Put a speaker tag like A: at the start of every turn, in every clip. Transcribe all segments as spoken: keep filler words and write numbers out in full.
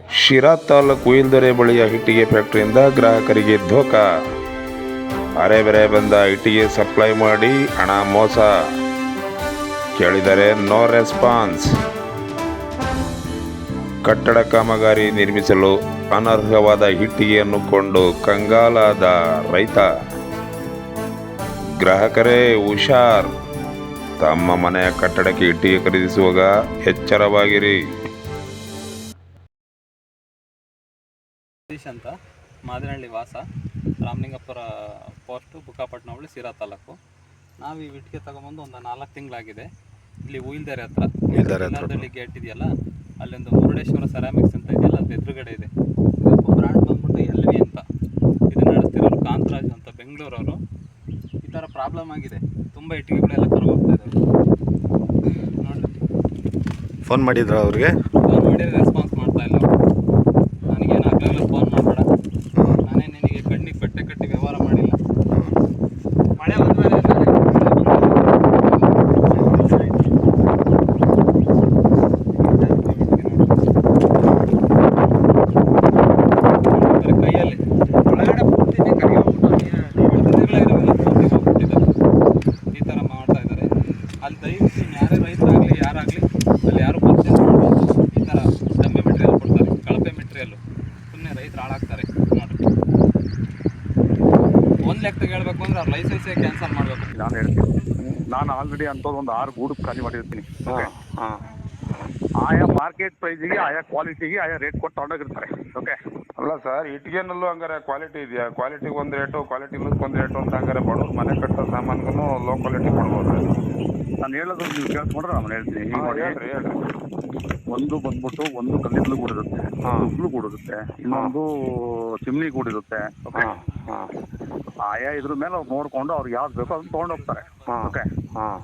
A: ಶಿರಾ ತಾಲೂಕು ಹುಯಿಲ್ದೆರೆ ಬಳಿಯ ಇಟ್ಟಿಗೆ ಫ್ಯಾಕ್ಟರಿಯಿಂದ ಗ್ರಾಹಕರಿಗೆ ಧೋಕಾ. ಅರೆ ಬೆರೆ ಬಂದ ಇಟ್ಟಿಗೆ ಸಪ್ಲೈ ಮಾಡಿ ಹಣ ಮೋಸ. ಕೇಳಿದರೆ ನೋ ರೆಸ್ಪಾನ್ಸ್. ಕಟ್ಟಡ ಕಾಮಗಾರಿ ನಿರ್ಮಿಸಲು ಅನರ್ಹವಾದ ಇಟ್ಟಿಗೆಯನ್ನು ಕೊಂಡು ಕಂಗಾಲಾದ ರೈತ. ಗ್ರಾಹಕರೇ ಹುಷಾರ್. ತಮ್ಮ ಮನೆಯ ಕಟ್ಟಡಕ್ಕೆ ಇಟ್ಟಿಗೆ ಖರೀದಿಸುವಾಗ ಎಚ್ಚರವಾಗಿರಿ.
B: ಸತೀಶ್ ಅಂತ, ಮಾದಿನಹಳ್ಳಿ ವಾಸ, ರಾಮಲಿಂಗಪುರ ಪೋಸ್ಟು, ಬುಕ್ಕಾಪಟ್ಟಣ ಹೋಬಳಿ, ಶಿರಾ ತಾಲೂಕು. ನಾವು ಈ ಇಟ್ಟಿಗೆ ತಗೊಂಬಂದು ಒಂದು ನಾಲ್ಕು ತಿಂಗಳಾಗಿದೆ. ಇಲ್ಲಿ ಹುಯಿಲ್ದೆರೆ ಹತ್ರ ಇಲ್ಲಾರದಳ್ಳಿ ಗೇಟ್ ಇದೆಯಲ್ಲ, ಅಲ್ಲೊಂದು ಮುರುಡೇಶ್ವರ ಸೆರಾಮಿಕ್ಸ್ ಅಂತ ಇದೆಯಲ್ಲ, ಅದು ಎದುರುಗಡೆ ಇದೆ. ಬ್ರ್ಯಾಂಡ್ ಬಂದ್ಬಿಟ್ಟು ಎಲ್ ವಿ ಅಂತ. ಇದು ನಡೆಸ್ತಿರೋರು ಕಾಂತರಾಜ್ ಅಂತ, ಬೆಂಗಳೂರವರು. ಈ ಥರ ಪ್ರಾಬ್ಲಮ್ ಆಗಿದೆ, ತುಂಬ ಇಟ್ಟಿಗೆಗಳೆಲ್ಲ ಕರ್ಗೋಗ್ತಾ ಇದ್ದಾವೆ. ನೋಡಿ,
C: ಫೋನ್ ಮಾಡಿದ್ರ ಅವ್ರಿಗೆ?
B: ಫೋನ್ ಮಾಡಿದ್ರೆ ರೆಸ್ಪಾನ್ಸ್ ಮಾಡ್ತಾ ಇಲ್ಲ. ನನಗೇನು ಆಗಲಿಲ್ಲ, ಫೋನ್ ಮಾಡಬೇಡ, ನಾನೇ ನಿನಗೆ ಕಣ್ಣಿಗೆ ಬಟ್ಟೆ ಕಟ್ಟಿ ವ್ಯವಹಾರ ಮಾಡಿಲ್ಲ. ಮಳೆ ಬಂದ್ಮೇಲೆ ಕೈಯಲ್ಲಿ ಒಳಗಡೆ ಪೂರ್ತಿನೇ ಕರಿಗೆ ಈ ಥರ ಮಾಡ್ತಾ ಇದ್ದಾರೆ. ಅಲ್ಲಿ ದಯವಿಟ್ಟು ಯಾರೇ ರೈತರಾಗಲಿ ಯಾರಾಗಲಿ ಅಲ್ಲಿ ಯಾರು ಪರ್ಚೇಸ್ ಮಾಡಬಾರ್ದು. ಈ ಥರ ಡಮ್ಮಿ ಮೆಟೀರಿಯಲ್ ಕೊಡ್ತಾರೆ, ಕಳಪೆ ಮೆಟೀರಿಯಲ್ಲು. ಸುಮ್ಮನೆ ರೈತರು ಹಾಳಾಗ್ತಾರೆ. ನೋಡಿರಿ, ಒಂದು ಲೆಕ್ಕದಾಗ ಹೇಳ್ಬೇಕು ಅಂದರೆ ಅವ್ರ ಲೈಸೆನ್ಸೇ ಕ್ಯಾನ್ಸಲ್ ಮಾಡಬೇಕು.
D: ನಾನು ಹೇಳ್ತೀನಿ, ನಾನು ಆಲ್ರೆಡಿ ಅಂಥದ್ದು ಒಂದು ಆರು ಗೂಡು ಖಾಲಿ ಮಾಡಿರ್ತೀನಿ.
A: ಹಾಂ,
D: ಆಯಾ ಮಾರ್ಕೆಟ್ ಪ್ರೈಸಿಗೆ, ಆಯಾ ಕ್ವಾಲಿಟಿಗೆ, ಆಯಾ ರೇಟ್ ಕೊಟ್ಟು ತಗೊಂಡೋಗಿರ್ತಾರೆ. ಓಕೆ,
A: ಅಲ್ಲ ಸರ್, ಇಟ್ಟಿಗೆನಲ್ಲೂ ಹಂಗಾರೆ ಕ್ವಾಲಿಟಿ ಇದೆಯಾ? ಕ್ವಾಲಿಟಿಗೆ ಒಂದು ರೇಟು, ಕ್ವಾಲಿಟಿ ಒಂದು ರೇಟು ಅಂತ ಹಂಗಾರೆ ಬಡವ್ರು ಮನೆ ಕಟ್ಟೋ ಸಾಮಾನ್ಗೂ ಲೋ ಕ್ವಾಲಿಟಿ ಕೊಡ್ಬೋದು.
D: ನಾನು ಹೇಳೋದು ನೀವು ಕೇಳಿಸ್ಕೊಂಡ್ರೆ ನಾನು ಹೇಳ್ತೀನಿ. ಈಗ ನೋಡಿ,
A: ಹೇಳ್ರಿ ಹೇಳ್ರಿ.
D: ಒಂದು ಬಂದ್ಬಿಟ್ಟು ಒಂದು ಕಲ್ಲಿದ್ಲು ಗೂಡು ಇರುತ್ತೆ,
A: ಹಾಂ.
D: ಉಗ್ಲು ಗೂಡು ಇರುತ್ತೆ, ಇನ್ನೊಂದು ಚಿಮ್ನಿ ಗೂಡು ಇರುತ್ತೆ. ಓಕೆ,
A: ಹಾಂ ಹಾಂ
D: ಆಯಾ ಇದ್ರ ಮೇಲೆ ಅವ್ರು ನೋಡ್ಕೊಂಡು ಅವ್ರಿಗೆ ಯಾವ್ದು ಬೇಕೋ ಅದನ್ನ ತೊಗೊಂಡೋಗ್ತಾರೆ.
A: ಹಾಂ.
D: ಓಕೆ,
A: ಹಾಂ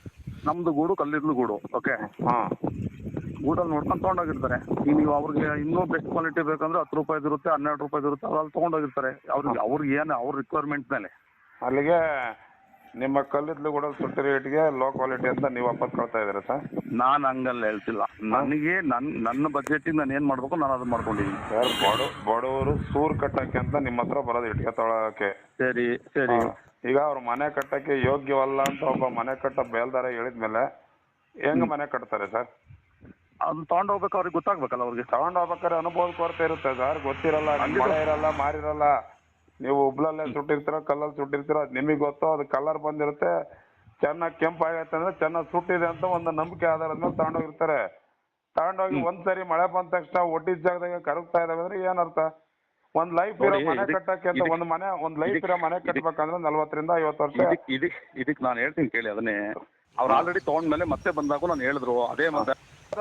D: ನಮ್ದು ಗೂಡು ಕಲ್ಲಿದ್ಲು ಗೂಡು. ಓಕೆ,
A: ಹಾಂ
D: ಗೂಡಲ್ಲಿ ನೋಡ್ಕೊಂಡು ತೊಗೊಂಡೋಗಿರ್ತಾರೆ. ಈಗ ನೀವು ಅವ್ರಿಗೆ ಇನ್ನೂ ಬೆಸ್ಟ್ ಕ್ವಾಲಿಟಿ ಬೇಕಂದ್ರೆ ಹತ್ತು ರೂಪಾಯಿದು ಇರುತ್ತೆ, ಹನ್ನೆರಡು ರೂಪಾಯಿದು ಇರುತ್ತೆ, ಅವ್ರಲ್ಲಿ ತೊಗೊಂಡೋಗಿರ್ತಾರೆ. ಅವ್ರಿಗೆ ಅವ್ರಿಗೆ ಏನು ಅವ್ರ ರಿಕ್ವೈರ್ಮೆಂಟ್ ಮೇಲೆ.
A: ಅಲ್ಲಿಗೆ ನಿಮ್ಮ ಕಲ್ಲಿದ್ಲು ಕೂಡ ಸುಟ್ಟಿ ರೇಟ್ಗೆ ಲೋ ಕ್ವಾಲಿಟಿ ಅಂತ ನೀವು ವಾಪಸ್ ಕಳ್ತಾ ಇದ್ದೀರಾ ಸರ್?
D: ನಾನು ಹಂಗಲ್ಲ ಹೇಳ್ತಿಲ್ಲ. ನನಗೆ ನನ್ನ ನನ್ನ ಬಜೆಟಿಗೆ ನಾನು ಏನು ಮಾಡಬೇಕು ನಾನು ಅದನ್ನ ಮಾಡ್ಕೊಂಡಿದ್ದೀನಿ
A: ಸರ್. ಬಡ ಬಡವರು ಸೂರು ಕಟ್ಟಕ್ಕೆ ಅಂತ ನಿಮ್ಮ ಹತ್ರ ಬರೋದು ಇಟ್ಟಿಗೆ ತೊಗೊಳಕ್ಕೆ.
D: ಸರಿ ಸರಿ.
A: ಈಗ ಅವ್ರು ಮನೆ ಕಟ್ಟಕ್ಕೆ ಯೋಗ್ಯವಲ್ಲ ಅಂತ ಒಬ್ಬ ಮನೆ ಕಟ್ಟ ಬೇಲ್ದಾರ ಹೇಳಿದ್ಮೇಲೆ ಹೆಂಗ್ ಮನೆ ಕಟ್ತಾರೆ ಸರ್?
D: ಅದನ್ನ ತಗೊಂಡು ಹೋಗ್ಬೇಕು, ಅವ್ರಿಗೆ ಗೊತ್ತಾಗ್ಬೇಕಲ್ಲ. ಅವ್ರಿಗೆ
A: ತಗೊಂಡು ಹೋಗ್ಬೇಕಾದ್ರೆ ಅನುಭವದ ಕೊರತೆ ಇರುತ್ತೆ ಸರ್. ಗೊತ್ತಿರಲ್ಲ, ಮಳೆ ಇರಲ್ಲ, ಮಾರಿರಲ್ಲ. ನೀವು ಉಬ್ಳಲ್ಲೇ ಸುಟ್ಟಿರ್ತೀರ, ಕಲ್ಲಲ್ಲಿ ಸುಟ್ಟಿರ್ತೀರ, ಅದು ನಿಮಗೆ ಗೊತ್ತು. ಅದು ಕಲರ್ ಬಂದಿರುತ್ತೆ, ಚೆನ್ನಾಗಿ ಕೆಂಪು ಆಗೈತೆ ಅಂದ್ರೆ ಚೆನ್ನಾಗಿ ಸುಟ್ಟಿದೆ ಅಂತ ಒಂದು ನಂಬಿಕೆ ಆಧಾರದ ಮೇಲೆ ತಗೊಂಡೋಗಿರ್ತಾರೆ. ತಗೊಂಡೋಗಿ ಒಂದ್ಸರಿ ಮಳೆ ಬಂದ ತಕ್ಷಣ ಒಟ್ಟಿದ ಜಾಗದಾಗ ಕರಗ್ತಾ ಇದಾವೆ ಅಂದ್ರೆ ಏನರ್ಥ? ಒಂದ್ ಲೈಫ್ ಇರೋ ಮನೆ ಕಟ್ಟಕ್ಕೆ ಅಂತ ಒಂದ್ ಮನೆ ಒಂದ್ ಲೈಫ್ ಇರೋ ಮನೆ ಕಟ್ಬೇಕಂದ್ರೆ ನಲ್ವತ್ತರಿಂದ ಐವತ್ತು ವರ್ಷ.
D: ಇದಕ್ ಇದಕ್ ನಾನು ಹೇಳ್ತೀನಿ ಕೇಳಿ. ಅದನ್ನೇ ಅವ್ರು ಆಲ್ರೆಡಿ ತಗೊಂಡ್ಮೇಲೆ ಮತ್ತೆ ಬಂದಾಗೂ ನಾನು ಹೇಳಿದ್ರು ಅದೇ ಮತ್ತೆ.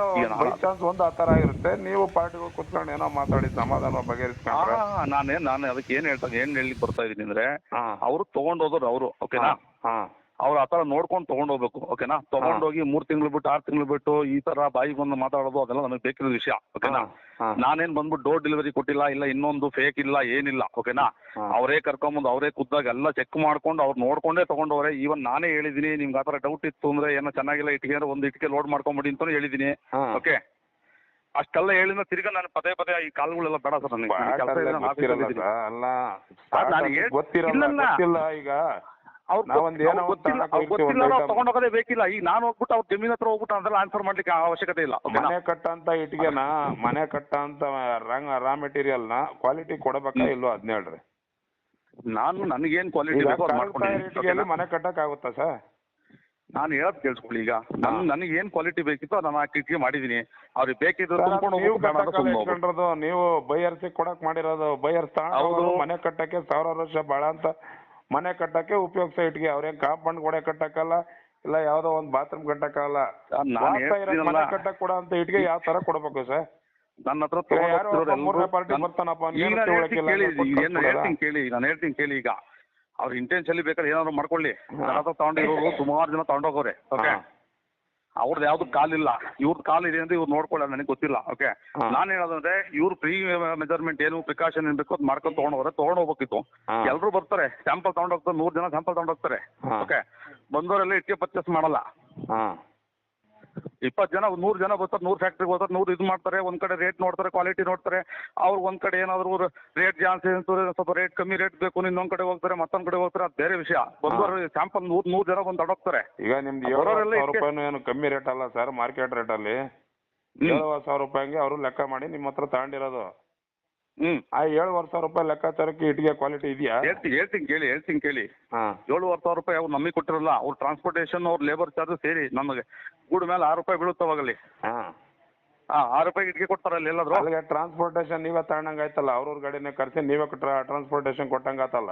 A: ಬೈ ಚಾನ್ಸ್ ಒಂದು ಆ ತರ ಆಗಿರುತ್ತೆ. ನೀವು ಪಾರ್ಟಿಗಳು ಕುತ್ಕೊಂಡು ಏನೋ ಮಾತಾಡಿ ಸಮಾಧಾನ ಬಗೆಹರಿಸ್ಕೊಂಡ್ರೆ
D: ನಾನೇ ನಾನು ಅದಕ್ಕೆ ಏನ್ ಹೇಳ್ತಾ ಏನ್ ಹೇಳಲಿಕ್ಕೆ ಬರ್ತಾ ಇದೀನಿ ಅಂದ್ರೆ, ಅವ್ರು ತಗೊಂಡೋದ್ರು ಅವರು. ಓಕೆನಾ, ಅವ್ರು ಆತರ ನೋಡ್ಕೊಂಡು ತಗೊಂಡೋಗ್ಬೇಕು. ಓಕೆನಾ, ತಗೊಂಡೋಗಿ ಮೂರ್ ತಿಂಗಳು ಬಿಟ್ಟು ಆರ್ ತಿಂಗಳು ಬಿಟ್ಟು ಈ ತರ ಬಾಯಿಗೆ ಬಂದು ಮಾತಾಡೋದು ಅದೆಲ್ಲ ನನಗೆ ಬೇಕಿರೋ ವಿಷಯ. ಓಕೆನಾ, ನಾನೇನ್ ಬಂದ್ಬಿಟ್ಟು ಡೋರ್ ಡೆಲಿವರಿ ಕೊಟ್ಟಿಲ್ಲ, ಇಲ್ಲ ಇನ್ನೊಂದು ಫೇಕ್ ಇಲ್ಲ, ಏನಿಲ್ಲ. ಓಕೆನಾ, ಅವರೇ ಕರ್ಕೊಂಬಂದು ಅವರೇ ಖುದ್ದಾಗ ಎಲ್ಲ ಚೆಕ್ ಮಾಡ್ಕೊಂಡು ಅವ್ರು ನೋಡ್ಕೊಂಡೇ ತಗೊಂಡವ್ರೆ. ಈವನ್ ನಾನೇ ಹೇಳಿದೀನಿ, ನಿಮ್ಗೆ ಆತರ ಡೌಟ್ ಇತ್ತು ಅಂದ್ರೆ ಏನೋ ಚೆನ್ನಾಗಿಲ್ಲ ಇಟ್ಟಿಗೆ ಅಂದ್ರೆ ಒಂದು ಇಟ್ಟಿಗೆ ಲೋಡ್ ಮಾಡ್ಕೊಂಬಿಡಿ ಅಂತಾನು ಹೇಳಿದೀನಿ. ಓಕೆ, ಅಷ್ಟೆಲ್ಲ ಹೇಳಿದ್ರೆ ತಿರ್ಗಾ ನಾನು ಪದೇ ಪದೇ ಈ ಕಾಲ್ಗಳೆಲ್ಲ ಬೇಡ ಸರ್ ನನಗೆ.
A: ಈಗ
D: ತಗೊಂಡೋಗೋದೇ ಬೇಕಿಲ್ಲ. ಈಗ ನಾನು ಹೋಗ್ಬಿಟ್ಟು ಅವ್ರ ಜಮೀನ್ ಹತ್ರ ಹೋಗ್ಬಿಟ್ಟು ಅದೆಲ್ಲ ಆನ್ಸರ್ ಮಾಡ್ಲಿಕ್ಕೆ ಅವಶ್ಯಕತೆ ಇಲ್ಲ.
A: ಮನೆ ಕಟ್ಟಂತ ಇಟ್ಟಿಗೆನ, ಮನೆ ಕಟ್ಟಂತ ರಾ ಮೆಟೀರಿಯಲ್ ನ ಕ್ವಾಲಿಟಿ ಕೊಡಬೇಕಾ ಇಲ್ವೋ ಅದ್ನ ಹೇಳ್ರಿ.
D: ನಾನು ನನಗೇನ್ ಕ್ವಾಲಿಟಿ
A: ಮನೆ ಕಟ್ಟಕ್ ಆಗುತ್ತಾ ಸರ್?
D: ನಾನು ಹೇಳೋದ್ ಕೇಳಿಸ್ಕೊಳ್ಳಿ. ಈಗ ನನ್ ನನಗೆ ಏನ್ ಕ್ವಾಲಿಟಿ ಬೇಕಿತ್ತು ನಾನು ಆ ಇಟ್ಟಿಗೆ ಮಾಡಿದೀನಿ. ಅವ್ರಿಗೆ ಬೇಕಿದ್ರೆ
A: ನೀವು ಬೈಯರ್ಸಿ ಕೊಡಕ್ ಮಾಡಿರೋದು. ಬೈಯರ್ಸ್ ಮನೆ ಕಟ್ಟಕ್ಕೆ ಸಾವಿರ ವರ್ಷ ಬಾಳ ಅಂತ ಮನೆ ಕಟ್ಟಕ್ಕೆ ಉಪಯೋಗಿಸೋ ಇಟ್ಟಿಗೆ. ಅವ್ರೇನ್ ಕಾಂಪೌಂಡ್ ಗೋಡೆ ಕಟ್ಟಕ್ಕಲ್ಲ, ಇಲ್ಲ ಯಾವ್ದೋ ಒಂದ್ ಬಾತ್ರೂಮ್ ಕಟ್ಟಕ್ಕಲ್ಲ. ಮನೆ ಕಟ್ಟಕ್ ಕೊಡ ಅಂತ ಇಟ್ಟಿಗೆ ಯಾವ ತರ ಕೊಡ್ಬೇಕು ಸರ್?
D: ನನ್ನ ಹತ್ರ
A: ಪಾರ್ಟಿ ಬರ್ತಾನಪ್ಪ
D: ಕೇಳಿ, ನಾನು ಹೇಳ್ತೀನಿ ಕೇಳಿ. ಈಗ ಅವ್ರ ಇಂಟೆನ್ಷನ್ ಬೇಕಾದ್ರೆ ಏನಾದ್ರು ಮಾಡ್ಕೊಳ್ಳಿ. ತಗೊಂಡಿರೋರು ಸುಮಾರು ಜನ ತಗೊಂಡೋಗೋರೆ. ಓಕೆ, ಅವ್ರದ್ದು ಯಾವ್ದು ಕಾಲಿಲ್ಲ, ಇವ್ರದ್ದು ಕಾಲ್ ಇದೆ ಅಂತ ಇವ್ರು ನೋಡ್ಕೊಳ್ಳ ನನಗೆ ಗೊತ್ತಿಲ್ಲ. ಓಕೆ, ನಾನು ಹೇಳೋದಂದ್ರೆ ಇವ್ರು ಪ್ರೀ ಮೆಜರ್ಮೆಂಟ್ ಏನು ಪ್ರಿಕಾಷನ್ ಏನ್ ಬೇಕು ಅದು ಮಾಡ್ಕೊಂಡು ತಗೊಂಡೋಗ್ರೆ ತಗೊಂಡ್ ಹೋಗ್ಬೇಕಿತ್ತು. ಎಲ್ರು ಬರ್ತಾರೆ, ಸ್ಯಾಂಪಲ್ ತಗೊಂಡೋಗ್ತಾರೆ, ನೂರ್ ಜನ ಸ್ಯಾಂಪಲ್ ತಗೊಂಡೋಗ್ತಾರೆ. ಓಕೆ, ಬಂದವರೆಲ್ಲ ಇಟ್ಟಿಗೆ ಪರ್ಚೇಸ್ ಮಾಡಲ್ಲ. ಇಪ್ಪತ್ತು ಜನ ನೂರು ಜನ ಬರ್ತಾರೆ, ನೂರು ಫ್ಯಾಕ್ಟ್ರಿಗೆ ಹೋಗ್ತಾರೆ, ನೂರು ಇದು ಮಾಡ್ತಾರೆ, ಒಂದ್ ಕಡೆ ರೇಟ್ ನೋಡ್ತಾರೆ, ಕ್ವಾಲಿಟಿ ನೋಡ್ತಾರೆ. ಅವ್ರು ಒಂದ್ ಕಡೆ ಏನಾದ್ರು ರೇಟ್ ಜಾಸ್ತಿ ಅಂತಾರೆ, ಸ್ವಲ್ಪ ರೇಟ್ ಕಮ್ಮಿ ರೇಟ್ ಬೇಕು, ಇನ್ನೊಂದ್ ಕಡೆ ಹೋಗ್ತಾರೆ, ಮತ್ತೊಂದ್ ಕಡೆ ಹೋಗ್ತಾರೆ, ಅದು ಬೇರೆ ವಿಷಯ. ಬಂದವರು ಸ್ಯಾಂಪಲ್ ನೂರ್ ನೂರು ಜನ ಬಂದು ಅಡೋಗ್ತಾರೆ.
A: ಈಗ ನಿಮ್ದು ಏಳು ಸಾವಿರ ರೂಪಾಯಿನೂ ಏನು ಕಮ್ಮಿ ರೇಟ್ ಅಲ್ಲ ಸರ್, ಮಾರ್ಕೆಟ್ ರೇಟ್ ಅಲ್ಲಿ ಏಳುವರೆ ಸಾವಿರ ರೂಪಾಯಿಗೆ ಅವರು ಲೆಕ್ಕ ಮಾಡಿ ನಿಮ್ಮ ಹತ್ರ ತಗೊಂಡಿರೋದು.
D: ಹ್ಮ್
A: ಆ ಏಳುವರೆ ಸಾವಿರ ರೂಪಾಯಿ ಲೆಕ್ಕಾಚಾರಕ್ಕೆ ಇಟ್ಟಿಗೆ ಕ್ವಾಲಿಟಿ ಇದೆಯಾ?
D: ಹೇಳ್ತೀನಿ ಹೇಳ್ತೀನಿ ಕೇಳಿ ಹೇಳ್ತೀನಿ ಕೇಳಿ
A: ಹಾ
D: ಏಳುವರೆ ಸಾವಿರ ರೂಪಾಯಿ ಅವ್ರು ನಮಗೆ ಕೊಟ್ಟಿರಲ್ಲ, ಅವ್ರ ಟ್ರಾನ್ಸ್ಪೋರ್ಟೇಷನ್ ಅವ್ರ ಲೇಬರ್ ಚಾರ್ಜ್ ಸೇರಿ ನಮಗೆ ಗೂಡ್ ಮೇಲೆ ಆರು ರೂಪಾಯಿ ಬೀಳುತ್ತವಾಗಲ್ಲಿ.
A: ಹಾ
D: ಹಾ ಆರು ರೂಪಾಯಿ ಇಟ್ಗೆ ಕೊಡ್ತಾರಲ್ಲ ಎಲ್ಲಾದ್ರು.
A: ಅಲ್ಲಿಗೆ ಟ್ರಾನ್ಸ್ಪೋರ್ಟೇಷನ್ ನೀವೇ ತಗೊಂಡಂಗೆ ಆಯ್ತಲ್ಲ, ಅವ್ರವ್ರ ಗಾಡಿನೇ ಕರ್ಸಿ ನೀವೇ ಟ್ರಾನ್ಸ್ಪೋರ್ಟೇಷನ್ ಕೊಟ್ಟಂಗೆ ಆತಲ್ಲ.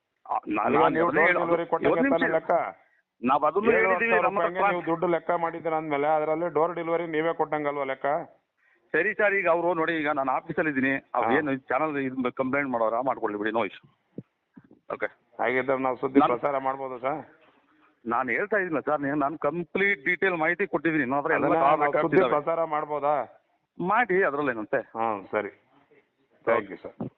A: ಲೆಕ್ಕ
D: ನಾವ್ ಅದನ್ನು ಹೇಳಿದೀವಿ.
A: ನೀವು ದುಡ್ಡು ಲೆಕ್ಕ ಮಾಡಿದ್ದೀರ ಅಂದ್ಮೇಲೆ ಅದರಲ್ಲಿ ಡೋರ್ ಡೆಲಿವರಿ ನೀವೇ ಕೊಟ್ಟಂಗಲ್ವಾ ಲೆಕ್ಕ?
D: ಸರಿ ಸರ್, ಈಗ ಅವರು ನೋಡಿ, ಈಗ ನಾನು ಆಫೀಸಲ್ಲಿ ಇದ್ದೀನಿ, ಅವ್ರು ಏನು ಚಾನಲ್ ಇದು ಕಂಪ್ಲೇಂಟ್ ಮಾಡೋರ ಮಾಡ್ಕೊಳ್ಳಿ ಬಿಡಿ, ನೋ ಇಶ್ಯೂ. ಓಕೆ,
A: ಹಾಗಿದ್ರೆ ನಾವು ಸುದ್ದಿ ಪ್ರಸಾರ ಮಾಡ್ಬೋದು ಸರ್?
D: ನಾನು ಹೇಳ್ತಾ ಇದ್ದೀನಿ ಸರ್, ನೀವು ನಾನು ಕಂಪ್ಲೀಟ್ ಡೀಟೇಲ್ ಮಾಹಿತಿ ಕೊಟ್ಟಿದ್ದೀನಿ.
A: ಸುದ್ದಿ ಪ್ರಸಾರ ಮಾಡ್ಬೋದಾ?
D: ಮಾಡಿ, ಅದರಲ್ಲೇನಂತೆ.
A: ಹಾಂ ಸರಿ, ಥ್ಯಾಂಕ್ ಯು ಸರ್.